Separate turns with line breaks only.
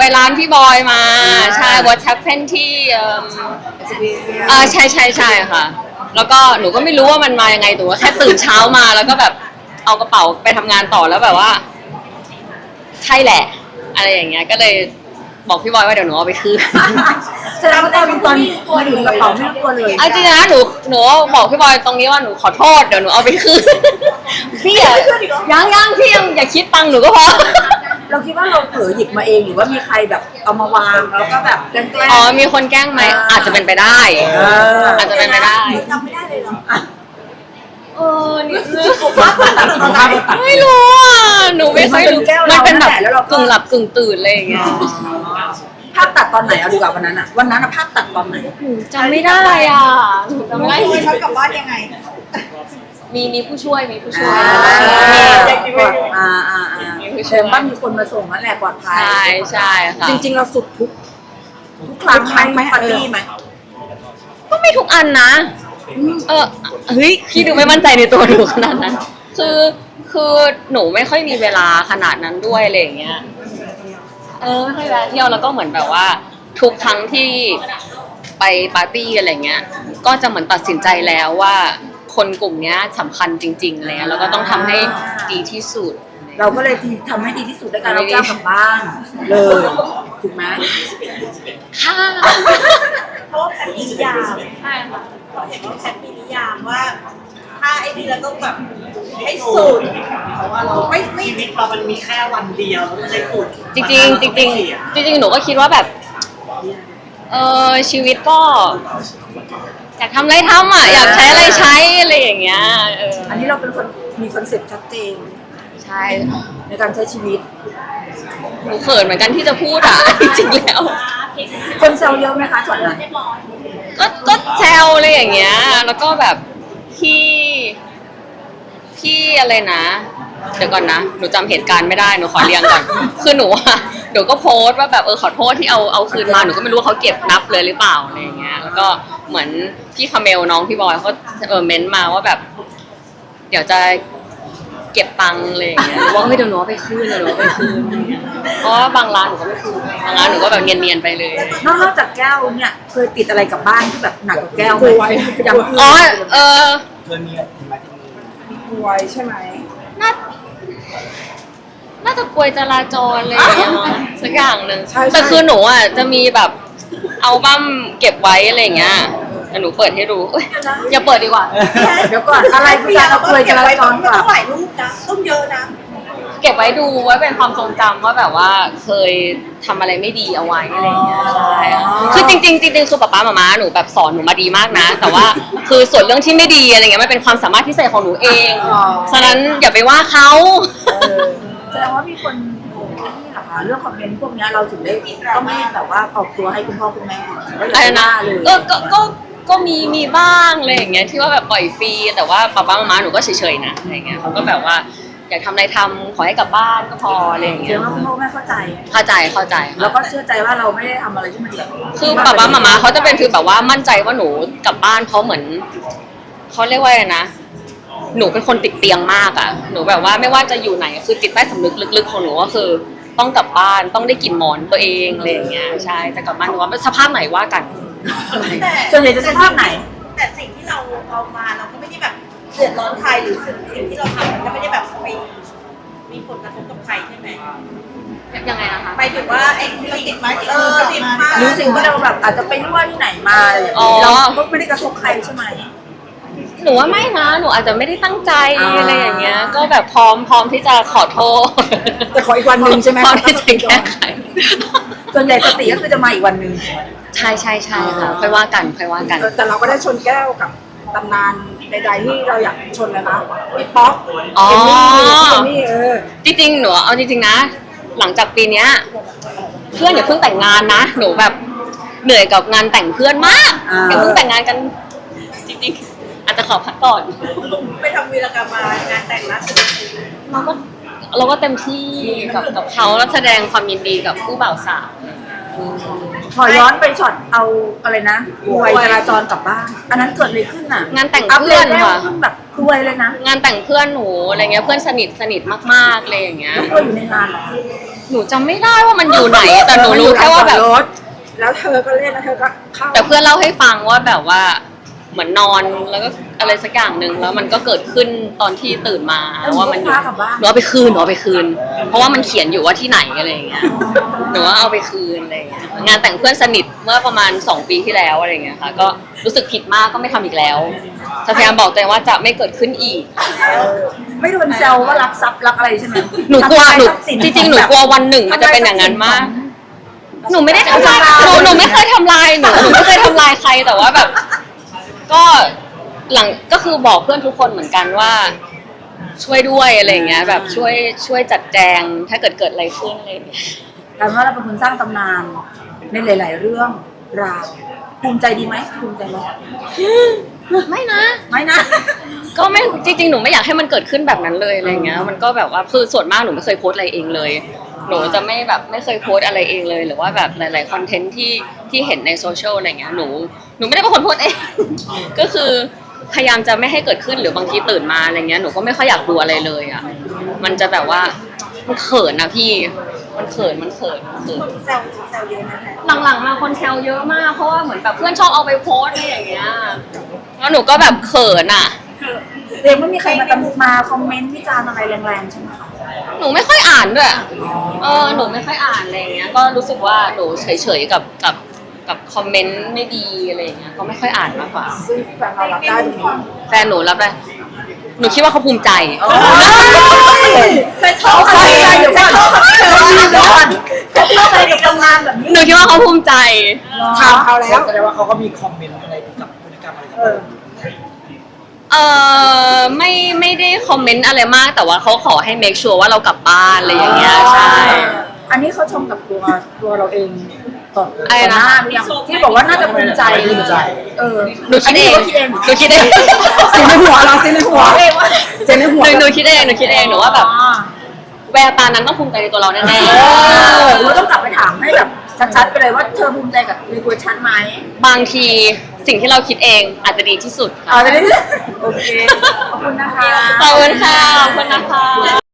ร้านพี่บอยมาใช่ What happened ที่ใช่ค่ะแล้วก็หนูก็ไม่รู้ว่ามันมายังไงหนูก็แค่ตื่นเช้ามาแล้วก็แบบเอากระเป๋าไปทำงานต่อแล้วแบบว่าใช่แหละอะไรอย่างเงี้ยก็เลยบอกพี่บอยว่าเดี๋ยวหนูเอาไปคืน
แสดงว่าตอนมาอยู่ในกระเป๋าไม่กลัวเลย
จริงนะหนูบอกพี่บอยตรงนี้ว่าหนูขอโทษเดี๋ยวหนูเอาไปคืนพี่ยังพี่ยังอย่าคิดตังค์หนูก็พอ
เราคิดว่าเราเผลอหยิบมาเองหรือว่ามีใครแบบเอามาวางแล้วก็แบบแกล้ง
มีคนแกล้งไหมอาจจะเป็นไปได้อาจจะเป็นไปได้
ทำไม่ได้เลยเหรอ
นี่ไม่รู้หนูไม่ค่อยรู้มันเป็นแบบกึ่งหลับกึ่งตื่นอะไรอย่างเงี้ย
ภาพตัดตอนไหนเอาดีกว่าวันนั้นภาพตัดตอนไหน
จำไม่ได้จำไม่ได้
เขากลับบ้านยังไง
มีผู้ช่วย
เชื่อบ้านมีคนมาส่งนั่นแหละปลอดภัย
ใช่ค่ะ
จริงๆเราสุดทุกครั้งไหมปาร์ตี้ไหม
ก็ไม่ทุกอันนะเฮ้ยพี่ดูไม่มั่นใจในตัวหนูขนาดนั้นคือหนูไม่ค่อยมีเวลาขนาดนั้นด้วยอะไรอย่างเงี้ยไม่ค่อยแวะเที่ยวแล้วก็เหมือนแบบว่าทุกครั้งที่ไปปาร์ตี้อะไรเงี้ยก็จะเหมือนตัดสินใจแล้วว่าคนกลุ่มนี้สำคัญจริงๆเลยแล้วก็ต้องทำให้ดีที่สุด
เราก็เลยทำให้ดีที่สุดด้วยการเอาแก้วกลับบ้านเลยถูกไหม
ค่ะ
เพราะว่าแพทมีนิยามใช่ค่ะเห็นว่าแพทมีนิยามว่าถ้าไอ้นี่เราต้องแบบให้สุดเพราะว่าเราไม่ชีวิตเรามันมีแค่วันเดียวเราต้องใช้สุด
จริงหนูก็คิดว่าแบบชีวิตก็อยากทำอะไรทำอยากใช้อะไรใช้อะไรอย่างเงี้ย
อันนี้เราเป็นคนมีคอนเซ็ปต์ชัดเจน
ใช่
ในการใช้ชีวิต
หนูเขินเหมือนกันที่จะพูดจริงๆแล้ว
คนแซวเยอะไหมคะส่วนนั้น
ก็แซวอะไรอย่างเงี้ยแล้วก็แบบพี่อะไรนะเดี๋ยวก่อนนะหนูจำเหตุการณ์ไม่ได้หนูขอเรียงก่อนคือหนูก็โพสต์ว่าแบบขอโทษที่เอาคืนมาหนูก็ไม่รู้ว่าเขาเก็บนับเลยหรือเปล่าอะไรอย่างเงี้ยแล้วก็เหมือนพี่คาเมลน้องพี่บอยเขาเม้นมาว่าแบบเดี๋ยวจะเก็บตังค์อะไรอย่างเงี้ยว่าเดี๋ยวหนูเอาไปคืนเพราะว่าบางร้านหนูก็ไม่คืนบางร้านหนูก็แบบเนียนๆไปเลย
นอกจากแก้วเนี่ยเคยติดอะไรกับบ้านที่แบบหนักกว่าแก้วไหม
อย่าง
เคยมีกลวยใช่ไหม
น่าจะกลวยจราจรอะไรอย่างเงี้ยสักอย่างหนึ่งแต่คือหนูจะมีแบบเอาบั้มเก็บไว้อะไรอย่างเงี้ยแต่หนูเปิดให้ดูอย่าเปิดดีกว่า
เดี๋ยวก่อนอะไรคือการเอากลวยจราจรก่อน
ต้องหลายรูปนะต้องเยอะนะ
เก็บไว้ดูไว้เป็นความทรงจำว่าแบบว่าเคยทำอะไรไม่ดีเอาไว้อะไรอย่างเงี้ยใช่คือจริงคือป๊าป๊าหนูแบบสอนหนูมาดีมากนะแต่ว่าคือส่วนเรื่องที่ไม่ดีอะไรเงี้ยมันเป็นความสามารถพิเศษของหนูเองฉะนั้นอย่าไปว่าเขา
แสดงว่ามีคนนี่เหรอคะเรื่องคอมเมนต์พวกนี้เราถึงได้ต้องไม่แบบว่าออกตัวให้คุณพ่อคุณแม่
อะไรนะก็มีบ้างอะไรอย่างเงี้ยที่ว่าแบบปล่อยฟรีแต่ว่าป๊าหนูก็เฉยๆนะอะไรเงี้ยเขาก็แบบว่าอยากทำอะไรทำขอให้กลับบ้านก็พออะไรอย่างเงี้ย
เดี๋ยวว่าคุณพ่อแม่เข้าใจแล้วก็เชื่อใจว่าเราไม่ได้ทำอะไรที่มันแบบ
คือป๊าเขาจะเป็นคือแบบว่ามั่นใจว่าหนูกลับบ้านเพราะเหมือนเขาเรียกว่าอะไรนะหนูเป็นคนติดเตียงมากหนูแบบว่าไม่ว่าจะอยู่ไหนคือจิตใต้สำนึกลึกๆของหนูก็คือต้องกลับบ้านต้องได้กลิ่นหมอนตัวเองอะไรอย่างเงี้ยใช่จะกลับบ้านหนูว่าสภาพไหนว่ากัน
ส่วนใหญ่จะสภาพไหน
แต่สิ่งที่เราเอามาเราก็ไม่ได้แบบเดือดร้อนใครหรือสิ่งที่เราทำมันก็ไม่ได้แบบไปมีผลกระทบกับใครใช่ไหม
ยังไงนะคะ
ไปถึงว่าไอ้ที่ติดมาติดมา
หรือสิ่งที่เราแบบอาจจะไปรั่วที่ไหนมาเราก็ไม่ได้กระทบใครใช่ไหม
หนูว่าไม่นะหนูอาจจะไม่ได้ตั้งใจอะไรอย่างเงี้ยก็แบบพร้อมที่จะขอโทษ
แต่ขออีกวันนึงใช่ไหม
พร้อมที่จะแก้ไข
ส่วนใหญ่สติก็คือจะมาอีกวันนึง
ใช่ค่ะค่อยว่ากัน
แต่เราก็ได้ชนแก้วกับตำนานใดๆที่เราอยากชนนะคะพี่ป๊อก
จริงๆหนูเอาจริงๆนะหลังจากปีนี้เพื่อนอย่าเพิ่งแต่งงานนะหนูแบบเหนื่อยกับงานแต่งเพื่อนมากอย่าเพิ่งแต่งงานกันจริงๆอาจจะขอพักก่อน
ไปทำวีรกรรมมางานแต่งล่าสุด
เราก็เต็มที่กับเขาแล้วแสดงความยินดีกับผู้บ่าวสาว
ขอย้อนไปช็อตเอาอะไรนะกลวยจราจรกลับบ้านอันนั้นเกิดอะไรขึ้น
งานแต่งเพื่อนค่ะ
แบบกลวยเลยนะ
งานแต่งเพื่อนหนูอะไรเงี้ยเพื่อนสนิทมากๆเลยอย่างเงี้ย
กลวยอยู่ในงานเหรอ
หนูจำไม่ได้ว่ามันอยู่ไหน แต่หนูรู้แค่ว่าแบบ
รถแล้วเธอก็เล่นแล้วเธอก็เข้า
แต่เพื่อนเล่าให้ฟังว่าแบบว่าเหมือนนอนแล้วก็อะไรสักอย่างหนึ่งแล้วมันก็เกิดขึ้นตอนที่ตื่นมาว่ามันอยู่หนูเอาไปคืนเพราะว่ามันเขียนอยู่ว่าที่ไหนอะไรอย่างเงี้ยหนูว่าเอาไปคืนอะไรอย่างเงี้ยงานแต่งเพื่อนสนิทเมื่อประมาณ2 ปีที่แล้วอะไรอย่างเงี้ยค่ะก็รู้สึกผิดมากก็ไม่ทำอีกแล้วจะพยายามบอกตัวเองว่าจะไม่เกิดขึ้นอีก
ไม่โดนแซวว่ารักทรัพย์รักอะไรใช่ไหม
หนูกลัวหนู
ทำลายทรัพย์สิน
จริงๆหนูกลัววันหนึ่งมันจะเป็นอย่างนั้นมาก หนูไม่ได้ทำลายหนูไม่เคยทำลายหนูไม่เคยทำลายใครแต่ว่าแบบ ก็หลังก็คือบอกเพื่อนทุกคนเหมือนกันว่าช่วยด้วยอะไรอย่างเงี้ยแบบช่วยจัดแจงถ้าเกิดอะไรขึ้นอะไรอย่างเงี้ย
แต่ว่าเราเป็นคนสร้างตำนานในหลาย ๆ เรื่องราวภูมิใจดีไหมภูมิใจไหม
ไม่นะ
ไม่นะ
ก็ไม่จริงๆหนูไม่อยากให้มันเกิดขึ้นแบบนั้นเลยอะไรเงี้ยมันก็แบบว่าคือส่วนมากหนูไม่เคยโพสต์อะไรเองเลย หนูจะไม่เคยโพสต์อะไรเองเลยหรือว่าแบบหลายๆคอนเทนต์ที่เห็นในโซเชียลอะไรเงี้ยหนูไม่ได้เป็นคนโพสต์เอง ก็คือพยายามจะไม่ให้เกิดขึ้นหรือบางทีตื่นมาอะไรเงี้ยหนูก็ไม่ค่อยอยากดูอะไรเลยอ่ะมันจะแบบว่ามันเขินนะพี่มันเขิน
คนแซวเยอะนะคะ
หลังๆมาคนแซวเยอะมากเพราะว่าเหมือนแบบเพื่อนชอบเอาไปโพสต์อะไรอย่างเงี้ยแล้วหนูก็แบบเขินอ่ะ
เรียนไม่มีใครมาคอมเมนต์วิจารณ์อะไรแรงๆใช่ไหมคะ
หนูไม่ค่อยอ่านด้วยหนูไม่ค่อยอ่านอะไรอย่างเงี้ยก็รู้สึกว่าหนูเฉยๆกับคอมเมนต์ไม่ดีอะไรอย่างเงี้ยก็ไม่ค่อยอ่านมากกว่า
ซึ่งแฟนเรารับได้ตรงนี้
แฟนหนูรับได้หนูคิดว่าเขาภูมิใจ
ใส่ชอบอะไรเดี๋ยวก่อนเดี๋ยวก่อนชอบอะไรกับทำงานแบบนี้
หนูคิดว่าเขาภูมิใจ
ถามเขาแล้ว
แสดงว่าเขาก็มีคอมเมนต์อะไรกับพฤติกรรมอะไรกับเรา
ไม่ได้คอมเมนต์อะไรมากแต่ว่าเขาขอให้ make sure ว่าเรากลับบ้านอะไรอย่างเงี้ยใช่
อันนี้เขาชมกับตัวเราเองต่อ
อะไรนะ
หน้าหรือยังที่บอกว่าน่าจะภูมิใจ
หนูคิดเอง หนูคิดเอง
เสียงในหัวเราเสียงในหัวเสียงในหัว
หนูคิดเองหนูว่าแบบแววตานั้นต้องภูมิใจในตัวเราแน่
เราต้องกลับไปถามให้แบบชัดๆไปเลยว่าเธอภูมิใจกับในตัวฉันไหม
ๆบางทีสิ่งที่เราคิดเองอาจจะดีที่สุดค่ะ
เอาไปเลยโอเคขอบคุณนะคะ
ขอบคุณค่ะขอบคุณนะคะ